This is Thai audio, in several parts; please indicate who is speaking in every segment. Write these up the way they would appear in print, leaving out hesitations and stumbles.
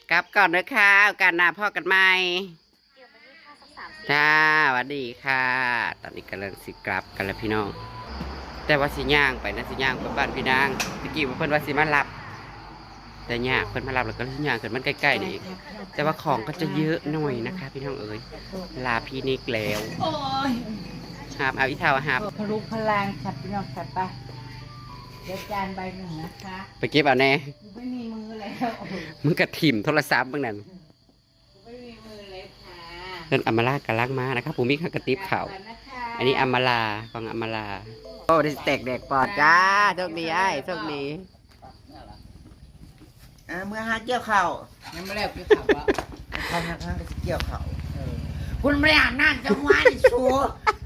Speaker 1: กลับก่อนเลยค่ะโอกาสหน้าพ่อกันใหม่จ้าสวัสดีค่ะ ตอนนี้กำลังสิกลับกันแล้วพี่น้อง แต่ว่าสิย่างไปนะสิย่างไปบ้านพี่นางตะกี้ว่าเพิ่นว่าสิมารับ แต่ยากเพิ่นมารับแล้วก็สิย่างเกิดมันใกล้ๆนี่แต่ว่าของก็จะเยอะหน่อยนะคะ พี่น้องเอ๋ยลาพี่นิกแล้วหาบเอาอีเท่าหาบ
Speaker 2: พลุพลังขับพี่น้องขับไปเดี๋ยวจานใบหนึ่งนะคะ
Speaker 1: ไปเก็บเอาแน่
Speaker 2: ไม่มีมือแล้ว
Speaker 1: มึงกระถิ่มโทรศัพท์มึงนั่น
Speaker 2: ไม่มีมือเลยค่ะ
Speaker 1: เพิ่นอำมาลากำลังมานะครับผมมีข้าวกระติบข่าว อันนี้อำมาลาฟังอำมาลาโอ้ได้แตกแดกปอดจ้าโชคดีไอ้โชคดี
Speaker 3: เมื่อหาเกี่ยวเข่า
Speaker 2: ยังไม่แล้วพี่ขับวะ
Speaker 3: ทางก็เกี่ยวเข่าคุณไม่อ่านนั่นจังหวะนี่ชัว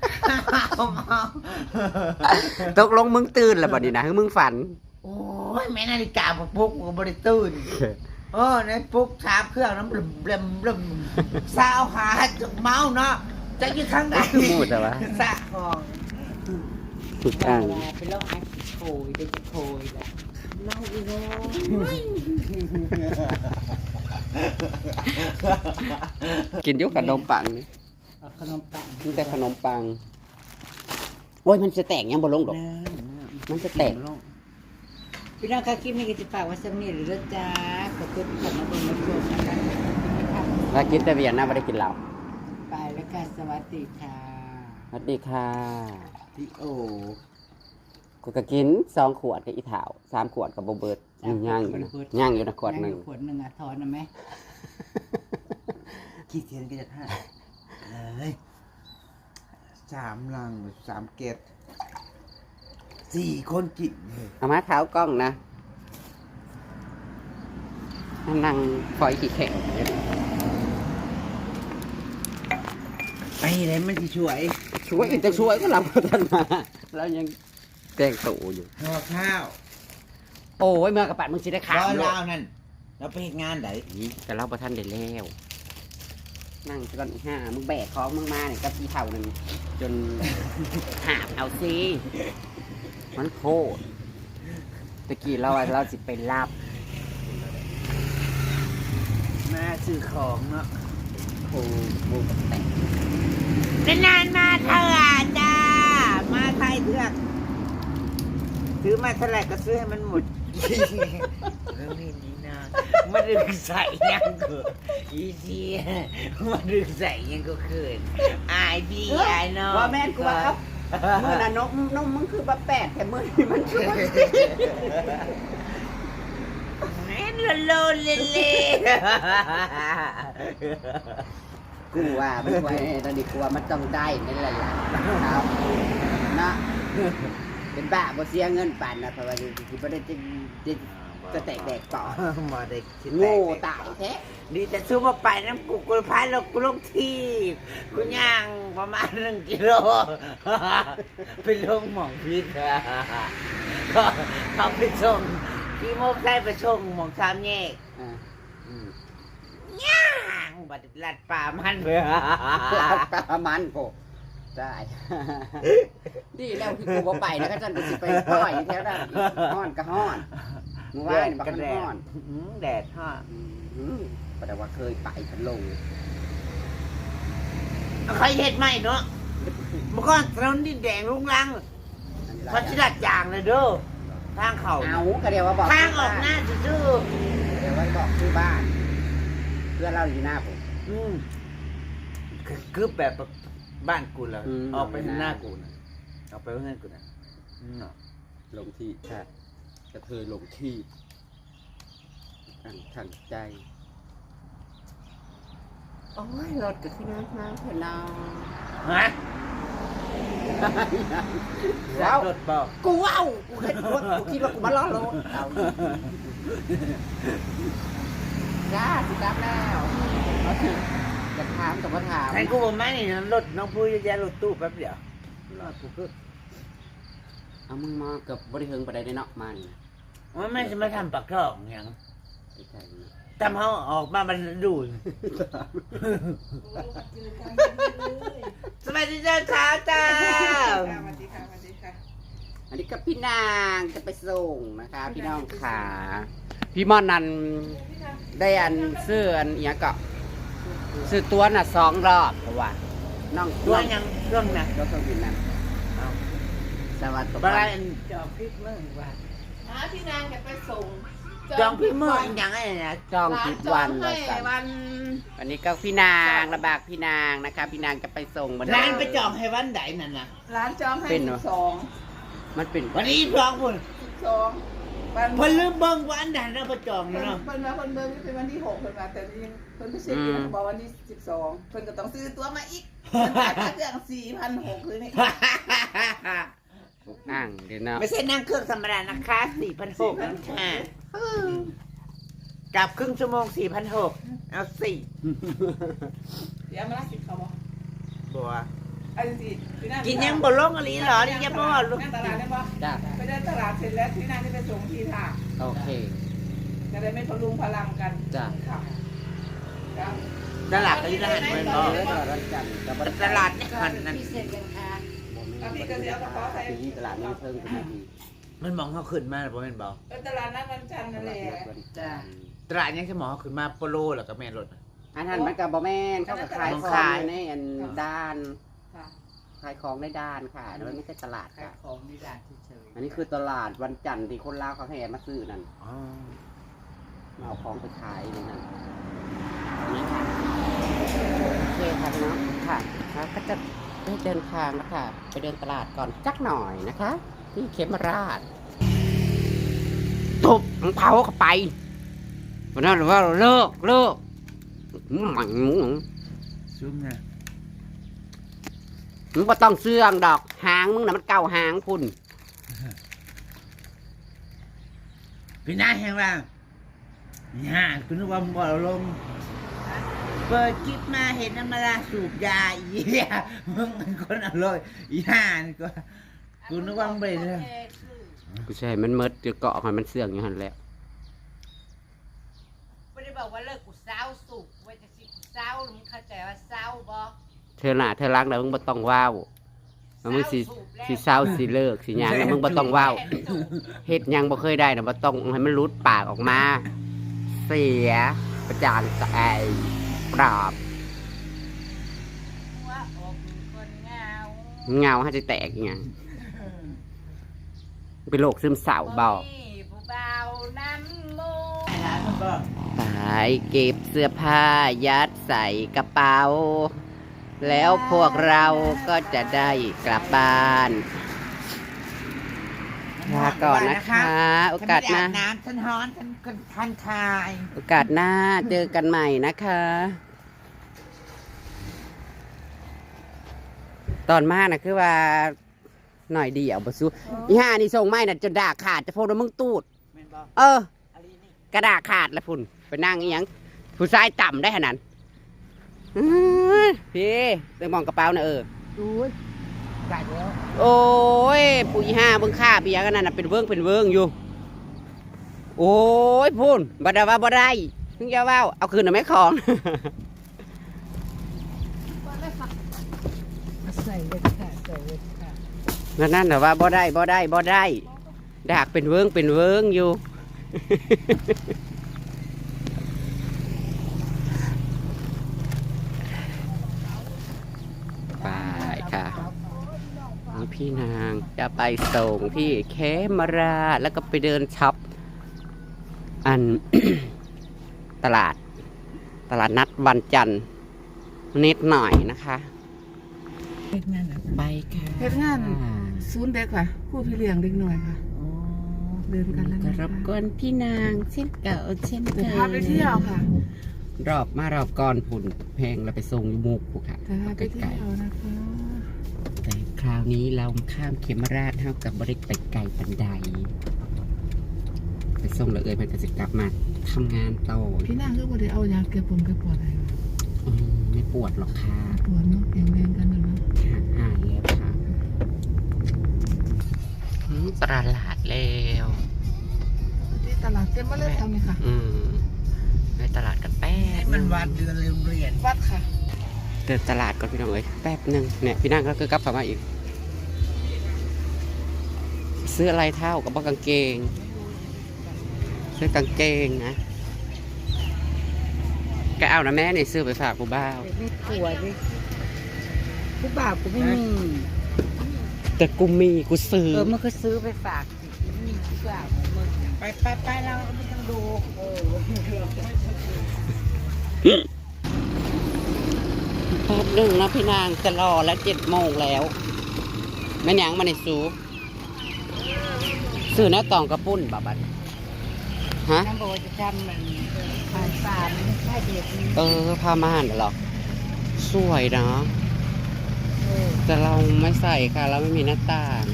Speaker 1: ตกลงมึงตื่นแล้วบัดนี้นะคือมึงฝัน
Speaker 3: โอ้ยแม่นาฬิกาปลุกก็บริตื่นในปลุกชาเครื่องน้ำบลมสาวหาจุกเมาเนาะจะอยู่ทางไหน
Speaker 1: มูดแต่ว่า
Speaker 3: สะห้อง
Speaker 1: ถูกอ่าง
Speaker 2: ไปลองไอ้โคยเด็กโคยแหละน้องอีโน่
Speaker 1: กินอยุกขนมปังนี่
Speaker 2: ขนมปัง
Speaker 1: มีแต่ขนมปังโอ้ยมันจะแตกยังบ่ลงดอกมันจะแตก
Speaker 2: พี่น้องคะคลิปนี้ก็จะฝากไว้สำเนียงหรือจ้าขอบคุณที่เข้ามาดูมาชมนะคะ
Speaker 1: แล้วกินแต่เบียร์นะไม่ได้กินเหล้า
Speaker 2: ไปแล้วค่ะสวัสดีค่ะ
Speaker 1: สวัสดีค่ะ
Speaker 3: พี่โอ
Speaker 1: กูก็กิน2 ขวดกับอีเถา3 ขวดกับโบเบิร์ตย่างอยู่นะย่างอยู่นะขวดหนึ่ง
Speaker 2: ขวดหนึ่งอ่ะทอนนะไหม
Speaker 3: ขี้เทียนก็จะท่าเลย3 ลัง3 เกต4 คนกินเลย
Speaker 1: เอามาเท้ากล้องนะนั่งคอยขี่แข่ง
Speaker 3: ไปไหนมันที่ช่วย
Speaker 1: ช่วยจะช่วยก็รับทันมาแล้วยังแกล้งตู่อยู่
Speaker 3: ห่อข้าว
Speaker 1: โอ้ยเมื่อกระปัดมึงสิได้ขา
Speaker 3: ร้
Speaker 1: ว
Speaker 3: อย
Speaker 1: โล
Speaker 3: ลาวนั่นเราไปเฮ็ดงานไหน
Speaker 1: แต่เราประทันได้แล้วนั่งจนห้ามึงแบกของมึงมาเนี่ยกับพี่เท่านึงจน หาบเอาซิมันโคตรตะกี้เราสิไปรับ
Speaker 3: มาซื้อของเนาะ
Speaker 1: โอ้โหแต่ง
Speaker 3: นานๆมาเถอะจ้า มาไทยเถือกซื้อมาเท่าไหร่ก็ซื้อให้มันหมดเรื่องนี้นะมาดึงใส่ยังก็อีทีมาดึงใส่ยังก็เขินอายพี่อายน้อง
Speaker 1: ว่าแม่นกูว่าครับมื่อน่ะนกมึงคือบ้าแปดแต่มื่อนี่มันช่วย
Speaker 3: แม่นโลนเล่
Speaker 1: กูว่าไม่ไหวตอนนี้กูว่ามันต้องได้นี่แหละล่ะครับนะเป็นบ้าบ่เสียเงินปั่นนะเพราะว่าที่บ่ได้จะแตกแดกต่อ
Speaker 3: มาได้คิด
Speaker 1: โง่ตายแท้
Speaker 3: ดีแต่ซื้อมาไปน้ำกูพายลงกูลงที่กูย่างประมาณ1 กิโลไปลงหม่องพิษก็เขาไปส่งที่โมกได้ไปส่งหม่อง3 แยก
Speaker 1: อ่า
Speaker 3: ย่างบัดลัดป่ามันเบื่อ
Speaker 1: ประมาณโกได้ดีแล้วที่กูบ่ไปนะก็จันกูสิไปป้อยอยู่แถวนั้นฮ้อนก็ฮ้อนมึงว่านี่บักมันฮ้อน
Speaker 3: แดดฮะ
Speaker 1: แต่ว่าเคยไปพันลง
Speaker 3: ใครเห็ดไหมเนาะเมื่อก่อนถนนดินแดงลุงลังเขาชิดัดจางเลยเด้อทางเขา
Speaker 1: เอาก็เดียวว่าบอก
Speaker 3: ทางออกหน้าซื่อ
Speaker 1: เดี๋ยวว่าบอกชื่อบ้าน เพื่อนเราอยู่หน้าผม
Speaker 3: ๆคือแบบบ้านกูแล้ว
Speaker 1: อืม
Speaker 3: ออกไปหน้ากูนะออกไปข้างหน้ากูนะเนาะ
Speaker 1: ลงที่ใช่จะเคยลงที่ขังใจโอ้ยรถก็ขึ้นน้ำเถอะน้อง
Speaker 3: ฮะแล้วรถบอก
Speaker 1: กูว้าวกูคิดว่ากูมาล้อรถเอาจ้าสิครับแล้วเอาสิจะถามแต่ว่าถาม
Speaker 3: แทนกูบอกไม่นี่รถน้องพูดจะแย่รถตู้แป๊บเดียวรถกูคือ
Speaker 1: เอามึงมาเกับบริเทิงไปได้เนาะมานี่นะ
Speaker 3: มันไม่จะมาทำปากท่องอย่าง
Speaker 1: ไอ้ไก่นี่
Speaker 3: ทำเขาออกมามันดูดสวัสดีเจ้าขาจ้า
Speaker 1: อันนี้ก็พี่นางจะไปส่งนะคะ พี่น้องขาพี่มอนนั่นได้อันซื้ออันเนี้ยก็ซื้อตัวน่ะ2 รอบเพราะว่าน้อง
Speaker 3: ตัวยังเครื่องนะ
Speaker 1: รถเครื่องบินนั่น
Speaker 3: เอา
Speaker 1: สวัสดี
Speaker 3: บ้าน
Speaker 2: จอบพริกเมื่อว่า
Speaker 4: พี่นางจะไปส่ง
Speaker 3: จองพี่เมื่อยังไงนะ
Speaker 1: จองผิดวัน
Speaker 4: ร้า
Speaker 1: ว่า
Speaker 4: จอง
Speaker 1: สั่
Speaker 4: ให้
Speaker 1: น
Speaker 4: วัน
Speaker 1: วันนี้ก็พี่นางระบากพี่นางนะคะพี่นางจะไปส่งบัด
Speaker 3: ร้านไปจองให้วันไหนนั่นน่ะ
Speaker 4: ร้านจองให้
Speaker 1: เป็นเหรอ
Speaker 4: 12
Speaker 1: มันเป็น
Speaker 3: วันนี้จองพุ่น
Speaker 4: 12วัน
Speaker 3: เพิ่นลืมเบิ่งวันไหนเราไปจอง
Speaker 4: เพิ่น
Speaker 3: เนาะ
Speaker 4: เพิ่นมาเพิ่นเบิ่งเป็นวันที่6เพิ่นมาแต่นี่เพิ่นไปเช็คอยู่บอกวันที่12เพิ่นก็ต้องซื้อตั๋วมาอีกเพิ่นจ่ายค่าเครื่อง 4,600คือนี่
Speaker 1: อ่างเดี๋ยวเนาะ
Speaker 3: ไม่ใช่นั่งเครื่องธรรมดานะคะ4,600นั่นค่ะกลับครึ่งชั่วโมง4,600เอาสิ
Speaker 4: เดี๋ยวมาละ10เขาบ่
Speaker 3: บัว
Speaker 4: อันสิพี่นาง
Speaker 3: กินยังบ่ลงอะไรเหรอนี่ยังบ่ว่าลูก
Speaker 4: นั่งตลาดได้บ่
Speaker 1: จ้า
Speaker 4: ไปเดินตลาดเสร็จแล้วพี่นางจะไปส่งที่ท่า
Speaker 1: โอเค
Speaker 4: จะได้ไม่พลุงพลังกัน
Speaker 1: จ้า
Speaker 4: ค่ะครับ
Speaker 3: ตลาดก็อยู่ร้านเหมือนบ่
Speaker 1: เออตลาดวันจันทร์กับวัน
Speaker 3: ตลาดนี่หันนั่น
Speaker 2: พิเศษกันค่ะ
Speaker 4: แล้วพี่ก็เสียกระเป๋าใส่
Speaker 1: ที่ตลาดนี้เพิ่งเป็นที
Speaker 3: มันมองเขาขึ้นมาบ่แม่นบ่
Speaker 4: ตลาดนัดวันจันทร์
Speaker 1: ต
Speaker 4: นั่นแห
Speaker 1: ลา
Speaker 4: ละ
Speaker 1: ดวัน
Speaker 2: จ้า
Speaker 3: ตลาดยังจะมองเขาขึ้นมาโปโลแล้วก็แม่นรถ
Speaker 1: อันนั้นมันกับบอแมนเขาก็ขายของอยู่ในอันด้าน
Speaker 4: ค่ะ
Speaker 1: ขายของในด้านค่ะแล้วมันไม่ใช่ตลาด
Speaker 2: ขาย
Speaker 1: ค่ะ
Speaker 2: ของในร้านเฉย
Speaker 1: อันนี้คือตลาดวันจันทร์ที่คนลาวเขาแห่มาซื้อนั่น
Speaker 3: อ๋อ
Speaker 1: มาเอาของไปขายในนั้นนี่ค่ะโอเคค่ะพี่น้องค่ะแล้วก็จะได้เดินทางแล้วค่ะ ไปเดินตลาดก่อนจักหน่อยนะคะ ที่เขมราชทุบเผาเข้าไปวันนั้นหรือว่าเลิกหมัน
Speaker 3: ซุ่มนะ
Speaker 1: มึงบ่ต้องเสื่องดอกหางมึงน่ะมันเก่าหางพุ่น
Speaker 3: พี่น้าแห่งว่าย่าคุณนึกว่าบ่ลงเปิดคลิปมาเห็นน้ำมาลาสูบยาอีเหี้ยมึงเป็นคนอร่อยย่านี่ก็กูนึกว่ามึงไปเลย
Speaker 1: กูใช่มันเมิดจะเกาะให้มันเสื่องอยู่หันแหล้ว
Speaker 2: ไม่ได้บอกว่าเลิกกูเศร้าสุกไว้จะสิกูเศร้ามึงเข้าใจว่าเศร้าบ่
Speaker 1: เธอหน้าเธอรักแล้วมึงบ่ต้องว้าวแล้วมึงสิเศร้าสิเลิกสิหยังแล้วมึงบ่ต้องว้าวเฮ็ดหยังบ่เคยได้น่ะบ่ต้องให้มันหลุดปากออกมา เสียประจานไอ้ปราบ
Speaker 2: ว่าอกคนเหงา
Speaker 1: เงาให้จะแตกอีหยังเป็นโรคซึมเศร้าบ่
Speaker 2: มีผู้เบาน้ำมู
Speaker 1: ไปเก็บเสื้อผ้ายัดใส่กระเป๋า แล้วพวกเราก็จะได้กลับบ้านลาก่อนนะคะ โอกาสหน้า
Speaker 3: น้ำฉันฮ้อนฉันคันคาย
Speaker 1: โอกาสหน้าเจอกันใหม่นะคะ ตอนมานะคือว่าหน่อยเดียวบ่สู้อีห่านี่ส่งไม้น่ะจนด่าขาดจะพูดว่ามึงตูด
Speaker 3: แม่นบ่
Speaker 1: เออ
Speaker 3: อะไรนี่
Speaker 1: กระดาษขาดแล้วพุ่นไปนั่งอีหยังผู้ชายต่ำได้ขนาดพี่ไปมองกระเป๋านะเออ
Speaker 3: ดูไก่แล้ว
Speaker 1: โอ้ยปุ๋ยห้าเบิ่งค่าเบียกันนั่นน่ะเป็นเวิ้งอยู่ โอ้ยพุ่นบ่ได้ว่าบ่ได้มึงอย่าว่าเอาคืนน่ะแม่ของ
Speaker 2: ใส่เลยค่ะใส่เลยค่ะ
Speaker 1: นั่นน่ะว่าบ่ได้ดากเป็นเวิ้งอยู่ ไปค่ะนี่พี่นางจะไปส่งที่แคมราชแล้วก็ไปเดินช็อปอัน ตลาดนัดวันจันทร์นิดหน่อยนะคะ
Speaker 4: เฮ็ดงาน
Speaker 1: ไปค่ะ
Speaker 4: เฮ็ดงานศูนย์เด็กค่ะผู้พี่เลี้ยงเด็กหน่อยค่ะ เดินกันแล้ว
Speaker 1: ก็
Speaker 4: นะ
Speaker 1: รบกวนพี่นางเช่นเก่าเช่นเค
Speaker 4: เดี๋ย
Speaker 1: ยว
Speaker 4: พาไปเที่ยวค่ะ
Speaker 1: รอบก่อนฝุ่นแพงเราไปส่งอยู่มุกผูกค่ะ
Speaker 4: เดี๋ยวพาไปเที่
Speaker 1: ไกล
Speaker 4: ยวนะคะ
Speaker 1: ๆแต่คราวนี้เราข้ามเขมราชเท่ากับบริไปไกลปันไดไปส่งแล้วมันก็จะกลับมาทำงานต่อ
Speaker 4: พี่นางก็บ่ได้เอายาแก้ปวดอะไร
Speaker 1: ไม่ปวดหรอกค่ะ
Speaker 4: ปวดเนาะแข็งแรงกันนะเนาะ
Speaker 1: หายแล้วค่ะตลาดแล้ว
Speaker 4: ที่ตลาดเต็มมาเลยทำนี่ค่ะ
Speaker 1: ในตลาดกันแป๊บ
Speaker 3: มันวันเดือนโรงเรียน
Speaker 4: วัดค่ะ
Speaker 1: เดินตลาดก่อนพี่น้องเอ้ยแป๊บหนึ่งเนี่ยพี่นั่งก็คือกลับเข้ามาอีกซื้ออะไรเท่ากับกางเกงเสื้อกางเกงนะก็เอานะแม่นี่ซื้อไปฝากผู้บ่าว
Speaker 2: ไม่กลัวดิผู้บ่าวกูไม่มี
Speaker 1: แต่กูมีกูซื้อ
Speaker 2: มันก็ซื้อไปฝากสิมีผู้บ่าวมึงไปเราไม่ต้องดู
Speaker 1: แป๊บนึงนะพี่นางจะรอแล้ว7 โมงแล้วแม่นยังมาในซูซื้อแน่ตองกระปุ้นบัดฮะ
Speaker 2: น้ำโบจะทำมันผ่านป่ามันไม่ใช่เด็กนี่
Speaker 1: ผ้าม่านเหรอสวยนะแต่เราไม่ใส่ค่ะเราไม่มีหน้าต่าง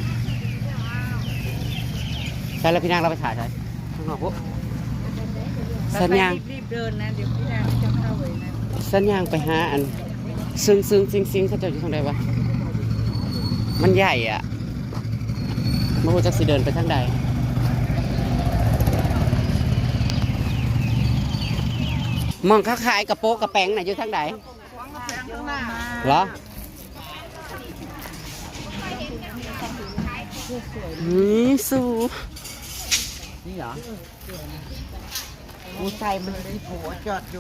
Speaker 1: ใช่แล้วพี่นางเราไปถ่ายใช่ข้างนอกปุ๊บสัญญาณ
Speaker 2: รีบเดินนะเดี๋ยวพี่นางจะเข้าไว้นะ
Speaker 1: สัญญาณไปหาอันซึ่งซิงเขาจะอยู่ทางใดวะมันใหญ่อ่ะไม่รู้จะสิเดินไปทางใดมองค้าขายกระโปงกระแปงไหนอยู่ทางใดเหรอนี่สู
Speaker 3: นี่เหรอกูใส่มันที่ผัวจอดอยู่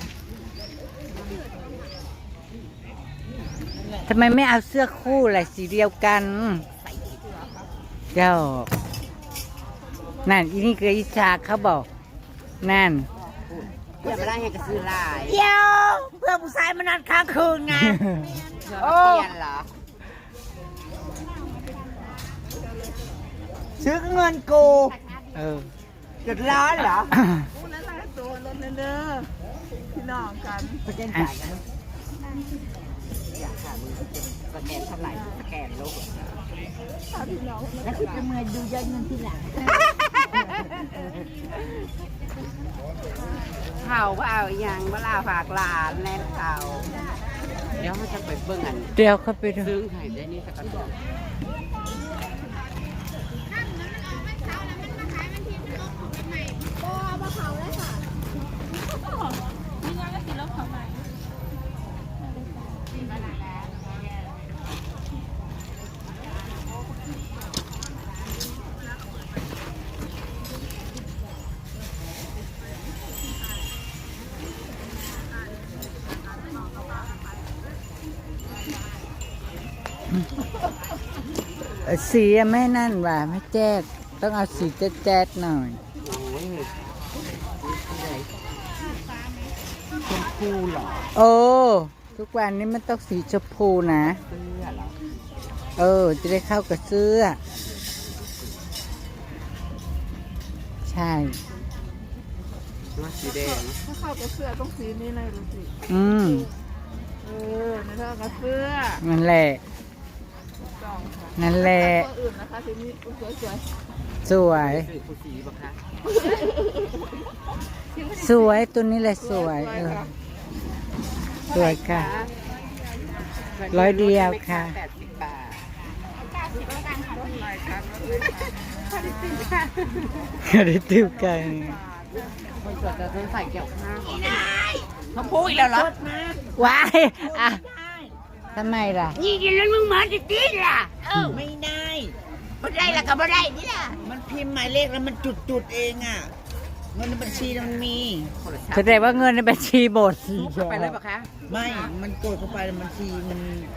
Speaker 2: ทำไมไม่เอาเสื้อคู่ล่ะสีเดียวกันเจ้านั่นอีนี่คืออิชาเขาบอกนั่น
Speaker 1: เพื่อมาได้ให้กระซื้อลาย
Speaker 2: เดี๋ยวเพื่อผู้ชายมานอนค้างคืนไง
Speaker 1: เปลี่ยนเหรอ
Speaker 2: ซื้อเงินกูเดือดร้อนเหรอ
Speaker 4: พูดแล้วนะตัวรถเด้อพี่น้องกัน
Speaker 1: สแกนจ่ายกันอยากหามือสแกนเท่าไหร่สแกนโลก
Speaker 2: แล้วคุณจะมาดูยอดเงินที่หลัง
Speaker 1: เขาก็เอาอีหยังเวลาฝากหลานแน่นเขาเดี๋ยวเขาจะไปเบิ่งอัน
Speaker 2: เดี๋ยวเขาไปดู
Speaker 1: ซึ่งให้ได้นี่สักก่อน
Speaker 2: สีอะไม่นั่นว่ะไม่แจ๊ดต้องเอาสีแจ๊ดๆหน่อย
Speaker 1: โอ้ยชมพูเหรอ
Speaker 2: โอ้ทุกวันนี้มันต้องสีชมพูนะ
Speaker 1: เสื้อเหรอ
Speaker 2: จะได้เข้ากับเสื้อ ใช่
Speaker 1: ว่าสีแดง
Speaker 4: ถ้าเข้ากับเสื้อต้องสีนี้เลยดูสิ
Speaker 2: อืม
Speaker 4: ไม่เท่ากับเสื้อ
Speaker 2: นั่นแหละ
Speaker 4: ต้องค่ะ
Speaker 2: นั่นแหละ
Speaker 4: ตัวอื่นนะคะสีนี้สวย
Speaker 2: สวย
Speaker 1: ซื้อผู้สีบ่คะ
Speaker 2: สวยตัวนี้แหละสวยสวยค่ะ ร้อยเดียวค่ะ
Speaker 1: 80 บาท
Speaker 2: ได้ติวกัน
Speaker 1: คนสวยจะต้องใส่เกี่ยวข้าวชมพูอีกแล้วเหรอ
Speaker 2: ว้ายอ่ะทำไมล่ะ
Speaker 3: นี่กินแล้วมึงมาติดล่ะ
Speaker 2: ไม่ได้
Speaker 3: ไม่ได้ละก็ไม่ได้นี่ล่ะ
Speaker 2: มันพิมพ์หมายเลขแล้วมันจุดๆเองอ่ะ เงินในบัญชีมันมี
Speaker 1: คนละชา
Speaker 2: แสดงว่าเงินในบัญชีหมด
Speaker 1: ซุปเข้าไปเลยปะคะ
Speaker 2: ไม่ มันกดเข้าไปแล้วบัญชีมัน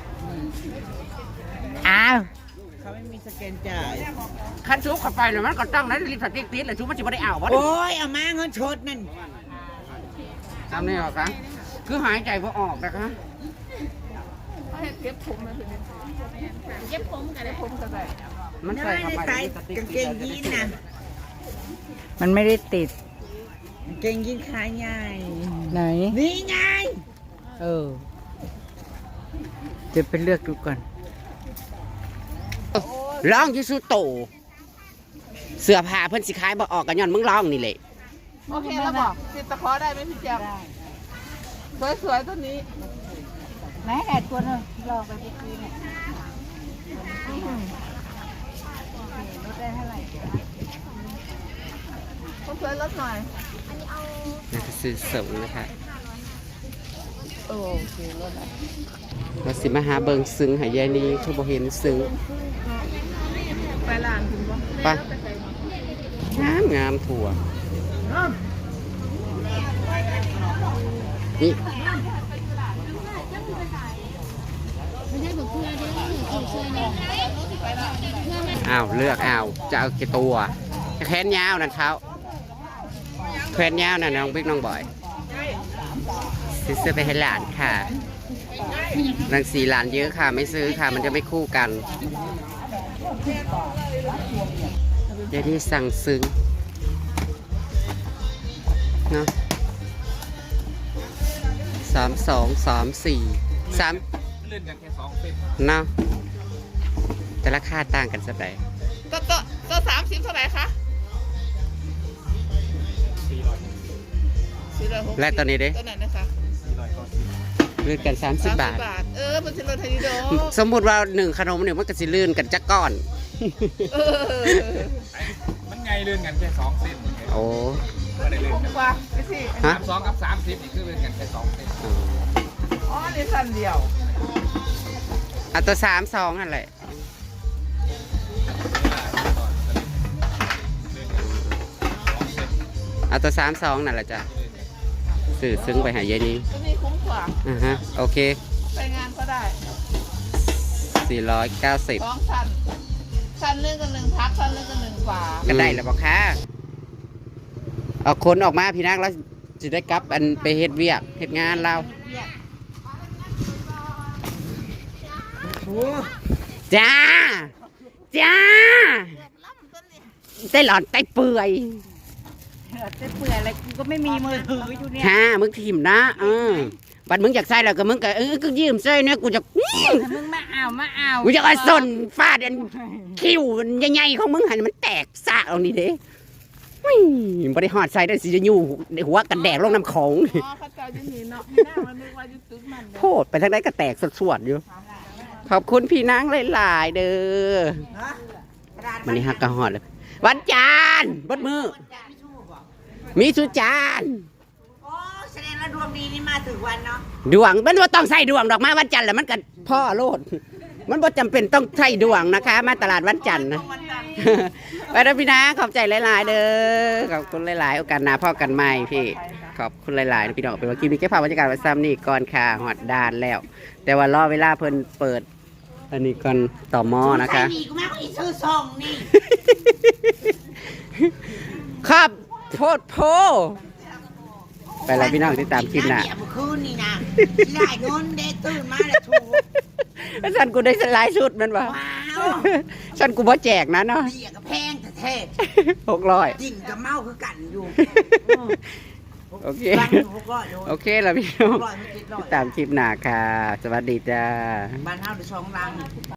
Speaker 2: อ้าวเขาไม่มีสแกนจ่าย
Speaker 1: คันซุปเข้าไปเลยมันก็ต้องนะรีบสติ๊กติ๊ดเลยซุปมันจะไม่ได้เอาวะ
Speaker 2: โอ้ย เอามาเงินชดนั่น
Speaker 1: ทำนี่หรอคะคือหายใจพอออกนะคะ
Speaker 4: ๆเขาเห็นเก็บผมนะทีนี้เก็บผมกันเลยผมกันเลย
Speaker 1: มันใส่เข้าไปสติ๊กติ๊ด
Speaker 2: มันไม่ได้ติดกางเกงยีนขาใหญ่ ไหน นี่ไง เดี๋ยวไปเลือกดูก่อน
Speaker 1: ร้องอยูซูโตเสื้อผ้าเพิ่นสิขายบ่ออกกันย้อนมึงร้องนี่แหละ
Speaker 4: โอเคแล้วบอกติดตะขอได้ไหมพี่แจ๊บสวยๆตัวนี้
Speaker 2: ไหนแอดตัวนึงลองไปพี่ซีเนี่ยลดได้เท่าไหร่
Speaker 4: สวยๆลดหน่อย
Speaker 1: นี่คือซื้อเสริมนะคะ
Speaker 4: โอเคลดหน่อย
Speaker 1: มาสิมาหาเบิงซึ้งหายายนี่คือบ่เห็นซึ้ง
Speaker 4: ไปร้านคุณบ่
Speaker 1: ไปงามงามถั่ว
Speaker 4: เอ
Speaker 1: นี่
Speaker 5: ไม่ใช่บอกเพื่อนเด้อถูกเชื่อเนี่ย
Speaker 1: อ้าวเลือกอ้าวจะเอากี่ตัวแขนยาวนั่นเขาแขนยาวนั่นน้องบิ๊กน้องบอยซื้อไปให้หลานค่ะนางสีหลานเยอะค่ะไม่ซื้อค่ะมันจะไม่คู่กันเดี๋ยวนี้สั่งซึ้งเนาะ3234
Speaker 6: เล่นกันแค่2 เส้น
Speaker 1: เนาะแต่ราคาต่างกันสักไหน
Speaker 4: ตัว30เท่าไหร่คะ460
Speaker 1: และตอนนี้เด้
Speaker 4: ตัวไหนนะคะ
Speaker 1: ลื่นกัน30 บาท
Speaker 4: มันจะลดให้ดีโด
Speaker 1: สมมุติว่า1ขนมเนี่ยมันก็สิลื่นกันจักก้อน
Speaker 6: มันไงเล่นกันแค่2 เส้น
Speaker 1: โอ้
Speaker 6: ไม่ได้เล่นกัน
Speaker 4: กว่าไปสิ
Speaker 1: ฮะ
Speaker 6: 32 กับ 30นี่คือเล่นกันแค่2 เส้น
Speaker 4: อ๋อนี่สั้นเดียว
Speaker 1: เอาตัว32นั่นแหละเอาตัว32นั่นแหละจ้ะสื่อซึ้งไปหายายนี้
Speaker 4: ตัวนี้คุ้มกว่า
Speaker 1: ฮะโอเค
Speaker 4: ไปงานก็ได้
Speaker 1: 490
Speaker 4: 2 ชั้นเรื่องกัน1พักชั้นเรื่องกัน1กว่า
Speaker 1: ก็ได้แล้วบอกค่ะเอาคนออกมาพี่นักแล้วจะได้กลับอันไปเฮ็ดเวียกเฮ็ดงานเราจ้าจ้าได้หลอนได้เปื่อย
Speaker 2: จะเปื่อยอะไรกูก็ไม่มีมือถืออยู่เนี่ย
Speaker 1: ค่ะมึงถิ่มนะบัดมึงอยากใส่แล้วก็มึงก็ก็ยืมใส่เนี่ยกูจะ
Speaker 2: มึงมาเอา
Speaker 1: กูจะเอาส้นฟาดอันคิ้วใหญ่ๆของมึงหันมันแตกซะเอานี่เด้บ่ได้หอดใส่ได้สิจะอยู่หัวกันแดกลงน้ำของ
Speaker 4: อ๋อเขาเจ้าจะหนีเนาะไม่น่ามันนึกว่าจะตึกมัน
Speaker 1: โพดไปทางไหนก็แตกสวดๆอยู่ ขอบคุณพี่นางหลายๆเด้อมันนี่ฮักกะหอดเลยวันจันทร์บดมือ มีสุจาน
Speaker 3: โอ้แสดงว่าดวงดีนี่มาถึงวันเนาะ
Speaker 1: ดวงมันว่าต้องใส่ดวงดอกมาวันจันทร์แหละมันก็พ่อโลด มันบ่จำเป็นต้องใส่ดวงนะคะ มาตลาดวันจันทร์นะ
Speaker 3: วันจันทร์
Speaker 1: ไปแล้วพี่นะขอบใจหลายๆเด้อขอบคุณหลายๆโอกาสหน้าพ่อกันใหม่พี่ขอบคุณหลายๆนะพี่น้องเป็นว่ากินนี่แค่พาบรรยากาศไว้ซ้ำนี่ก่อนค่ะหอดดานแล้ว แต่ว่ารอเวลาเพิ่นเปิด อันนี้ก่อนต่อหม้อนะคะ
Speaker 3: ใส่ดีกูแม่งอีซื้อซองนี่
Speaker 1: ครับโพดโพไปแล้วพี่น้องที่ตามคลิปหน้า
Speaker 3: เดี๋ยวเมื่อคืนนี่นะสิได้เงินเด้ตื่นมาแล้วถูก
Speaker 1: ฉันกูได้สไลด์ชุดมันวะ
Speaker 3: ว้าว
Speaker 1: ฉันกูบ่แจกนะเนาะ
Speaker 3: เดียกับแพงแท้
Speaker 1: 600
Speaker 3: ๆดิ่งกับเมาคือกันอยู่
Speaker 1: โอเค
Speaker 3: รัง600อยู่
Speaker 1: โอเคแล้วพี่น้อง
Speaker 3: 600ไม่ติดร้อย
Speaker 1: ตามคลิปหน้าค่ะ สวัสดีจ้า
Speaker 3: บ้านเฮาได้2รัง